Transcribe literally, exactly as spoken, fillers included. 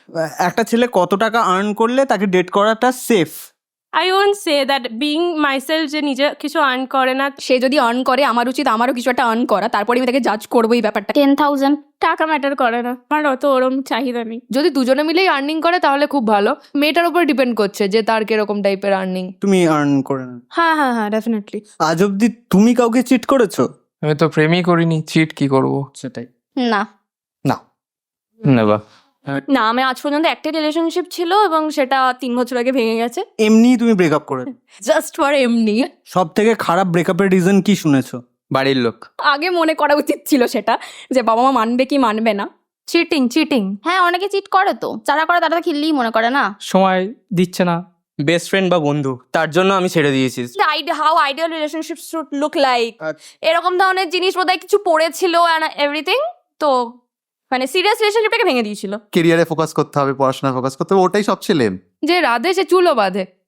একটা ছেলে কত টাকা আর্ন করলে তাকে ডেট করাটা safe? I won't say that being myself যে নিজে কিছু আর্ন করে না, সে যদি আর্ন করে আমার উচিত আমারও কিছু একটা আর্ন করা, তারপরে আমি তাকে জাজ করবো এই ব্যাপারটা। টেন থাউজেন্ড টাকা ম্যাটার করে না, আমার অত ওরম চাহিদা নেই। যদি দুজনে মিলেই আর্নিং করে তাহলে খুব ভালো। মেয়েটার উপর ডিপেন্ড করছে যে তার কিরকম টাইপের আর্নিং। তুমি আর্ন করে না? হ্যাঁ হ্যাঁ হ্যাঁ ডেফিনেটলি। আজ অব্দি তুমি কাউকে চিট করেছো? আমি তো প্রেমই করিনি, চিট কি করব? সেটাই না। না। নেবা না, আমি আজ পর্যন্ত একটা রিলেশনশিপ ছিল এবং সেটা তিন বছর আগে ভেঙে গেছে, এমনি তুমি ব্রেকআপ করে? জাস্ট ফর এমনি। সব থেকে খারাপ ব্রেকআপের রিজন কি শুনেছো? বাড়ির লোক। আগে মনে করা উচিত ছিল সেটা, যে বাবা মা মানবে কি মানবে না। Cheating cheating. হ্যাঁ, অনেকে চিট করে তো, যারা করে তারা তো খিল্লিই মনে করে না। সময় দিচ্ছে না, বেস্ট ফ্রেন্ড বা বন্ধু, তার জন্য আমি ছেড়ে দিয়েছি। How ideal relationship should look like, এরকম ধরনের জিনিস বোধহয় কিছু পড়েছিল অ্যান্ড এভরিথিং, তো মানে সিরিয়াস রিলেশনশিপটাকে ভেঙে দিয়েছিল। কেরিয়ারে ফোকাস করতে হবে, পড়াশোনা ফোকাস করতে হবে, ওটাই সব ছেলে। যে রাধে সে চুলও বাঁধে।